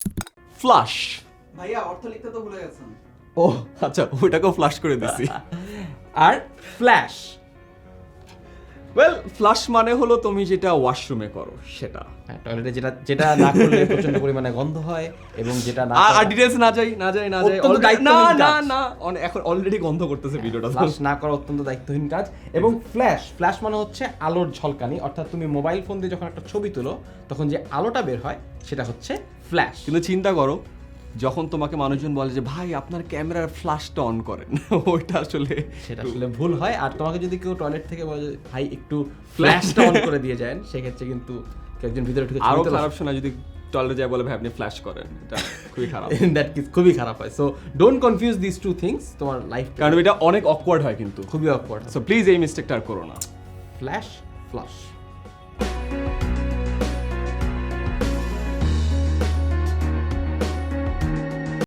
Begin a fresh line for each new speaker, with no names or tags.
Flush.
ভাইয়া অর্থ লিখতে তো ভুলে গেছেন।
ও আচ্ছা, ওইটাকেও ফ্লাশ করে দিছি।
আর ফ্ল্যাশ
ওয়েল, ফ্লাশ মানে হলো তুমি যেটা ওয়াশরুমে করো সেটা।
টয়লেটে যেটা যেটা না করলে প্রচন্ড পরিমাণে গন্ধ হয় এবং যেটা না
আর ডিটেইলস না যাই।
অত্যন্ত
না
দায়িত্বহীন
না
কাজ।
না, এখন অলরেডি গন্ধ করতেছে ভিডিওটা।
ফ্ল্যাশ না করা অত্যন্ত দায়িত্বহীন কাজ। এবং ফ্ল্যাশ মানে হচ্ছে আলোর ঝলকানি, অর্থাৎ তুমি মোবাইল ফোন দিয়ে যখন একটা ছবি তোলো তখন যে আলোটা বের হয় সেটা হচ্ছে ফ্ল্যাশ।
কিন্তু চিন্তা করো, যখন তোমাকে মানুষজন বলে যে ভাই আপনার ক্যামেরার ফ্ল্যাশটা অন করেন, ওইটা আসলে
সেটা আসলে ভুল হয়। আর তোমাকে যদি কেউ টয়লেট থেকে বলে যে, ভাই একটু ফ্ল্যাশটা অন করে দিয়ে যান, সেক্ষেত্রে কিন্তু কেউ একজন ভিতরে ঢুকে
আরো খারাপ শোনা যদি টয়লেটে যায় বলে ভাই আপনি ফ্ল্যাশ করেন, এটা খুবই খারাপ।
দ্যাট ইজ খুবই খারাপ হয়। So don't confuse this two things তোমার লাইফ,
কারণ এটা অনেক অকওয়ার্ড হয় কিন্তু।
খুবই অকওয়ার্ড।
সো প্লিজ এই মিস্টেকটা আর করো না।
ফ্ল্যাশ